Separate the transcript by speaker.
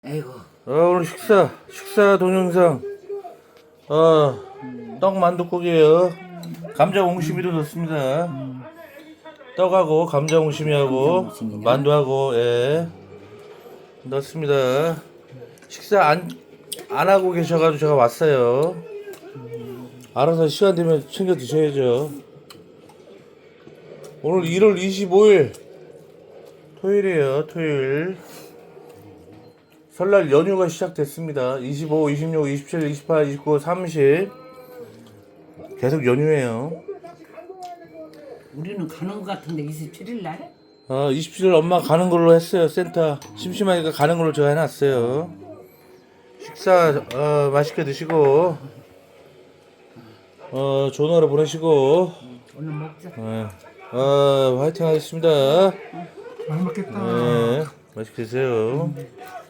Speaker 1: 아이고.
Speaker 2: 오늘 식사 동영상. 떡 만둣국이에요. 감자 옹심이도 넣습니다. 떡하고 감자 옹심이하고
Speaker 1: 감자 옹심이나?
Speaker 2: 만두하고 넣습니다. 식사 안 하고 계셔가지고 제가 왔어요. 알아서 시간 되면 챙겨 드셔야죠. 오늘 1월 25일 토요일이에요. 토요일. 설날 연휴가 시작됐습니다. 25, 26, 27, 28, 29, 30 계속 연휴예요.
Speaker 1: 우리는 가는 것 같은데 27일 날?
Speaker 2: 27일 엄마 가는 걸로 했어요. 센터 심심하니까 가는 걸로 제가 해놨어요. 식사 맛있게 드시고 좋은 하루 보내시고
Speaker 1: 오늘 먹자.
Speaker 2: 화이팅 하겠습니다.
Speaker 3: 많이 먹겠다.
Speaker 2: 네, 맛있게 드세요.